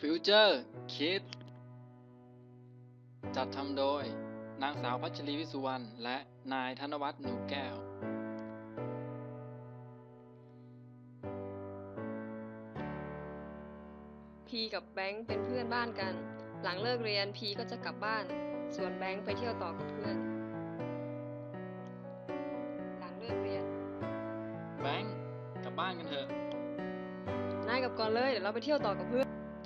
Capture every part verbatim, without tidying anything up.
ฟิวเจอร์คิดจัดทำโดยนางสาวพัชรีวิสุวรรณและนายธนวัฒน์หนูแก้วพีกับแบงค์เป็นเพื่อนบ้านกัน หลังเลิกเรียนพีก็จะกลับบ้าน ส่วนแบงค์ไปเที่ยวต่อกับเพื่อน หลังเลิกเรียนแบงค์กลับบ้านกันเถอะนายกลับก่อนเลยเดี๋ยวเราไปเที่ยวต่อกับเพื่อน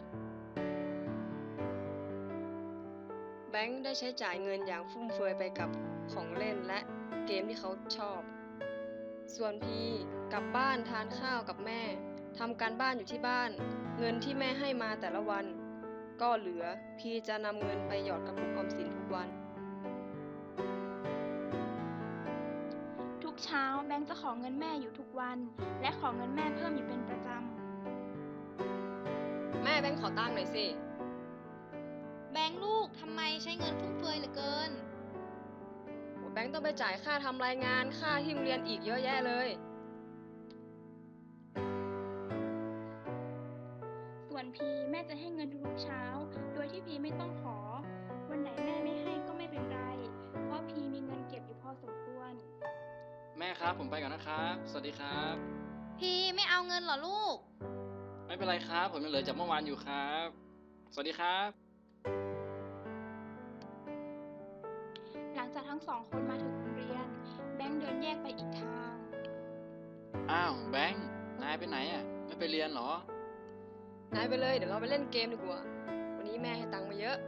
แบงค์ได้ใช้จ่ายเงินอย่างฟุ่มเฟือยไปกับของเล่นและเกมที่เขาชอบ ส่วนพีกลับบ้านทานข้าวกับแม่ทำการบ้านอยู่ที่บ้าน เงินที่แม่ให้มาแต่ละวัน ก็เหลือพีจะนำเงินไปหยอดกระปุกออมสินทุกวันทุกเช้าแบงค์จะขอเงินแม่อยู่ทุกวัน และขอเงินแม่เพิ่มอยู่เป็นประจแม่แบงค์ขอตังค์หน่อยสิแบงค์ลูกทำไมใช้เงินฟุ่มเฟือยเหลือเกินโอ้แบงค์ต้องไปจ่ายค่าทำรายงานค่าที่โรงเรียนอีกเยอะแยะเลยำส่วนพีแม่จะให้เงินทุกๆเช้า โดยที่พีไม่ต้องขอ วันไหนแม่ไม่ให้ก็ไม่เป็นไร เพราะพีมีเงินเก็บอยู่พอสมควรแม่ครับผมไปก่อนนะครับสวัสดีครับพี่ไม่เอาเงินเหรอลูกไม่เป็นไรครับผมยังเหลือจากเมื่อวานอยู่ครับสวัสดีครับหลังจากทั้งสองคนมาถึงโรงเรียน แบงค์เดินแยกไปอีกทางอ้าวแบงค์นายไปไหนอ่ะไม่ไปเรียนเหรอนายไปเลยเดี๋ยวเราไปเล่นเกมดีกว่า วันนี้แม่ให้ตังค์มาเยอะ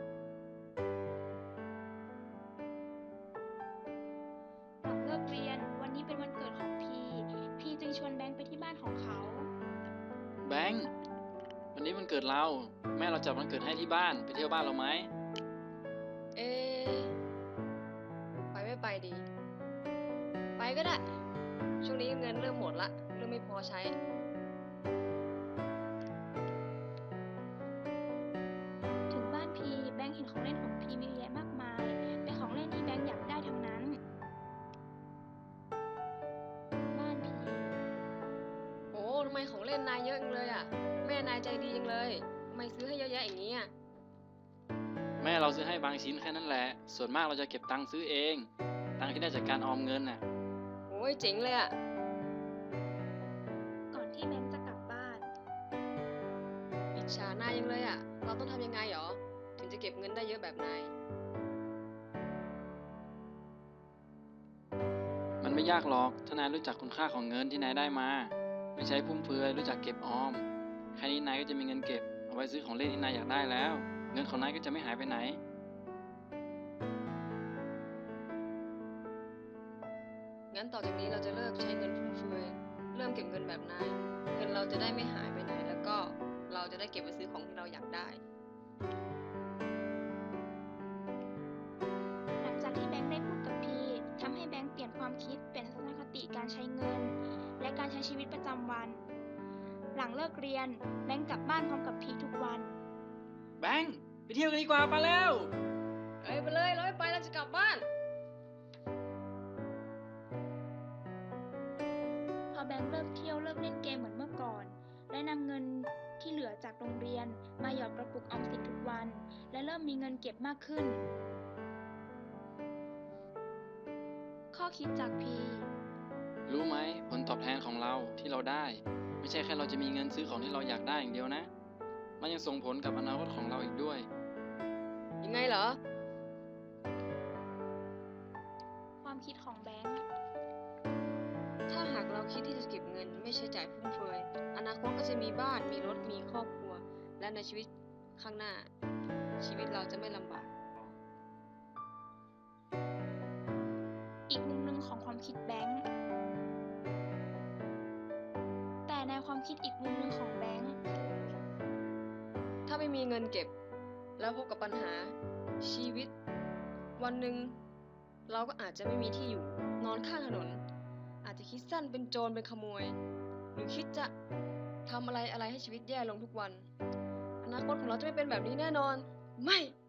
หลังเลิกเรียนวันนี้เป็นวันเกิดของพี พีจึงชวนแบงค์ไปที่บ้านของเขาแบงค์วันนี้วันเกิดเราแม่เราจัดวันเกิดให้ที่บ้านไปเที่ยวบ้านเราไหมเอ๊ะไปไม่ไปดี ไปก็ได้ ช่วงนี้เงินเริ่มหมดละเริ่มไม่พอใช้ถึงบ้านพีแบงค์เห็นของเล่นของพีมีเยอะแยะมากมาย เป็นของเล่นที่แบงค์อยากได้ทั้งนั้น บ้านพีโอ้ทำไมของเล่นนายเยอะจังเลยอ่ะ แม่นายใจดีจังเลยทำไมซื้อให้เยอะแยะอย่างนี้อ่ะแม่เราซื้อให้บางชิ้นแค่นั้นแหละส่วนมากเราจะเก็บตังค์ซื้อเองตังค์ที่ได้จากการออมเงินน่ะโอ้ยเจ๋งเลยอ่ะก่อนที่แบงค์จะกลับบ้านอิจฉานายยังเลยอ่ะ เราต้องทำยังไงหรอ ถึงจะเก็บเงินได้เยอะแบบนายมันไม่ยากหรอกถ้านายรู้จักคุณค่าของเงินที่นายได้มาไม่ใช้ฟุ่มเฟือยรู้จักเก็บออมแค่นี้นายก็จะมีเงินเก็บเอาไว้ซื้อของเล่นที่นายอยากได้แล้วเงินของนายก็จะไม่หายไปไหนงั้นต่อจากนี้เราจะเลิกใช้เงินฟุ่มเฟือย เริ่มเก็บเงินแบบนาย เงินเราจะได้ไม่หายไปไหน แล้วก็เราจะได้เก็บไปซื้อของที่เราอยากได้หลังจากที่แบงค์ได้พูดกับพีทำให้แบงค์เปลี่ยนความคิดเปลี่ยนทัศนคติการใช้เงิน และการใช้ชีวิตประจำวัน หลังเลิกเรียนแบงค์กลับบ้านพร้อมกับพีทุกวันแบงค์ไปเที่ยวกันดีกว่าไปแล้วเอ้ยไปเลยเราไม่ไปเราจะกลับบ้านพอแบงค์เลิกเที่ยวเลิกเล่นเกมเหมือนเมื่อก่อน และนำเงินที่เหลือจากโรงเรียนมาหยอดกระปุกออมสินทุกวัน และเริ่มมีเงินเก็บมากขึ้น ข้อคิดจากพีรู้ไหมผลตอบแทนของเราที่เราได้ไม่ใช่แค่เราจะมีเงินซื้อของที่เราอยากได้อย่างเดียวนะมันยังส่งผลกับอนาคตของเราอีกด้วยยังไงเหรอความคิดของแบงค์ถ้าหากเราคิดที่จะเก็บเงินไม่ใช้จ่ายฟุ่มเฟือย อนาคตก็จะมีบ้าน มีรถ มีครอบครัว และในชีวิตข้างหน้า ชีวิตเราจะไม่ลำบากอีกมุมหนึ่งของความคิดแบงค์แต่ในความคิดอีกมุมหนึ่งของแบงค์ถ้าไม่มีเงินเก็บ แล้วพบกับปัญหา ชีวิต วันหนึ่งเราก็อาจจะไม่มีที่อยู่ นอนข้างถนน อาจจะคิดสั้นเป็นโจรเป็นขโมย หรือคิดจะทำอะไรอะไรให้ชีวิตแย่ลงทุกวัน อนาคตของเราจะไม่เป็นแบบนี้แน่นอน ไม่